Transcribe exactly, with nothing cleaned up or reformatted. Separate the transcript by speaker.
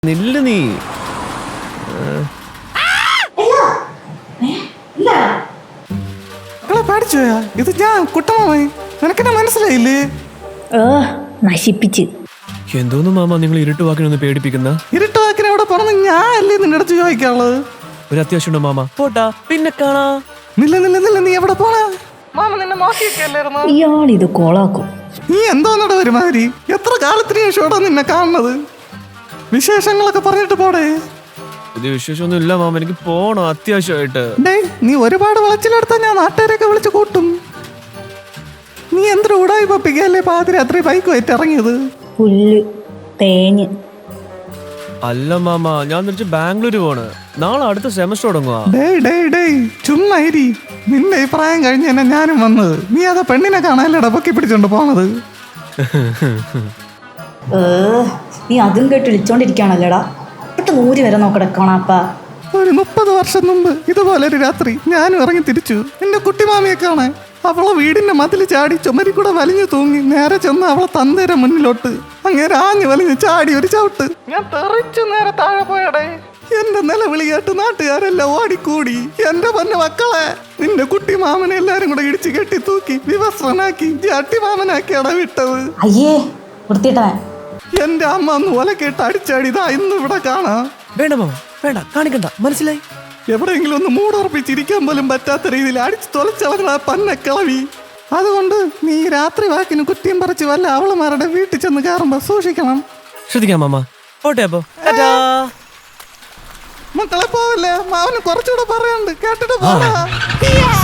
Speaker 1: നില്ല് നീ.
Speaker 2: പേടിച്ചോയാ? ഇത് ഞാൻ കുട്ടമായി. നിനക്കെന്നെ മനസ്സിലായില്ലേ?
Speaker 3: നശിപ്പിച്ച്.
Speaker 1: എന്തോന്നു മാമ നിങ്ങൾ ഇരുട്ട് വാക്കിനൊന്ന് പേടിപ്പിക്കുന്ന?
Speaker 2: ഇരുട്ട് വാക്കിനെ എവിടെ പോണെന്ന് ഞാൻ അല്ലേ നിന്റെ അടുത്ത് ചോദിക്കാനുള്ളത്.
Speaker 1: ഒരു അത്യാവശ്യമുണ്ടോ മാമ? പോട്ടാ, പിന്നെ കാണാ.
Speaker 2: നില്ല നില്ല നില്ല നീ എവിടെ പോണാ? മാമ നിന്നെ നോക്കിയൊക്കെയല്ലായിരുന്നോ?
Speaker 3: ഇയാളിത് കോളാക്കും.
Speaker 2: നീ എന്തോന്നട ഒരുമാതിരി? എത്ര കാലത്തിന് ശേഷമാടാ നിന്നെ കാണുന്നത്? വിശേഷങ്ങളൊക്കെ പറഞ്ഞിട്ട് പോടേ.
Speaker 1: പുതിയ വിശേഷമൊന്നും ഇല്ല മാമ, എനിക്ക് പോണോ അത്യാവശ്യമായിട്ട്.
Speaker 2: ഡേ നീ ഒരുപാട് വിളച്ചിലെടുത്താ ഞാൻ നാട്ടുകാരെയൊക്കെ വിളിച്ച് കൂട്ടും. നീ എന്തൊരു ഉടായി പപ്പിക്കല്ലേ പാതിരാത്രി ബൈക്ക് വെച്ച് ഇറങ്ങിയത്?
Speaker 3: പുല്ല് തേഞ്ഞ്.
Speaker 1: അല്ല മാമ, ഞാൻ തിരിച്ച് ബാംഗ്ലൂര് പോണ്. നാളെ അടുത്ത സെമസ്റ്റർ തുടങ്ങുക.
Speaker 2: ഡേ ഡേ ഡേ ചുമ്മാ ഇരി. നിന്റെ ഈ പ്രായം കഴിഞ്ഞ് തന്നെ ഞാനും വന്നത്. നീ അതാ പെണ്ണിനെ കാണാനല്ലടാ പൊക്കി പിടിച്ചോണ്ട് പോണത്.
Speaker 3: നീ അതും കേട്ട് വിളിച്ചോണ്ടിരിക്കുകയാണല്ലേടാ. ഒട്ട് നൂരി വരെ നോക്കട കാണാപ്പാ.
Speaker 2: ഒരു മുപ്പത് വർഷം മുമ്പ് ഇതുപോലെ ഒരു രാത്രി ഞാനും ഇറങ്ങി തിരിച്ചു എന്റെ കുട്ടിമാമിയെ കാണാൻ. അവളെ വീടിന്റെ മതിൽ ചാടി ചുമരി കൂടെ വലിഞ്ഞു തൂങ്ങി നേരെ ചെന്ന് അവളെ തന്തേരെ മുന്നിലോട്ട് അങ്ങനെ ആഞ്ഞു വലിഞ്ഞ് ചാടി ഒരു ചവിട്ട്. ഞാൻ തെറിച്ചു നേരെ താഴെ പോയടേ. എന്റെ നിലവിളി കേട്ട് നാട്ടുകാരെല്ലാം ഓടിക്കൂടി. എന്റെ പൊന്നു മക്കളെ, നിന്റെ കുട്ടി മാമനെ എല്ലാരും കൂടെ ഇടിച്ചു കെട്ടി തൂക്കി വിവസ്ത്രനാക്കി ജാട്ടി മാമനാക്കിയാടാ വിട്ടത്.
Speaker 3: അയ്യേ വൃത്തിയിട്ടവൻ.
Speaker 2: എന്റെ അമ്മ ഒന്ന് ഒലക്കേട്ട് അടിച്ചാടിതാ ഇന്ന് ഇവിടെ കാണാം.
Speaker 1: വേണ്ട മാമ, വേണ്ട, കാണിക്കണ്ട, മനസ്സിലായി.
Speaker 2: എവിടെയെങ്കിലും ഒന്ന് മൂടുറപ്പിച്ചിരിക്കാൻ പോലും പറ്റാത്ത രീതിയിൽ അടിച്ചു തൊലച്ചളങ്ങളാ പന്നക്കിളവി. അതുകൊണ്ട് നീ രാത്രി വാക്കിന് കുറ്റിയും പറിച്ച് വല്ല അവളുമാരുടെ വീട്ടിൽ ചെന്ന് കയറുമ്പോ സൂക്ഷിക്കണം.
Speaker 1: ശ്രദ്ധിക്കാം മാമ. പോട്ടെ അപ്പൊ.
Speaker 2: മക്കളെ പോവല്ലേ, മാവന് കുറച്ചുകൂടെ പറയാണ്ട് കേട്ടിട്ട് പോടാ.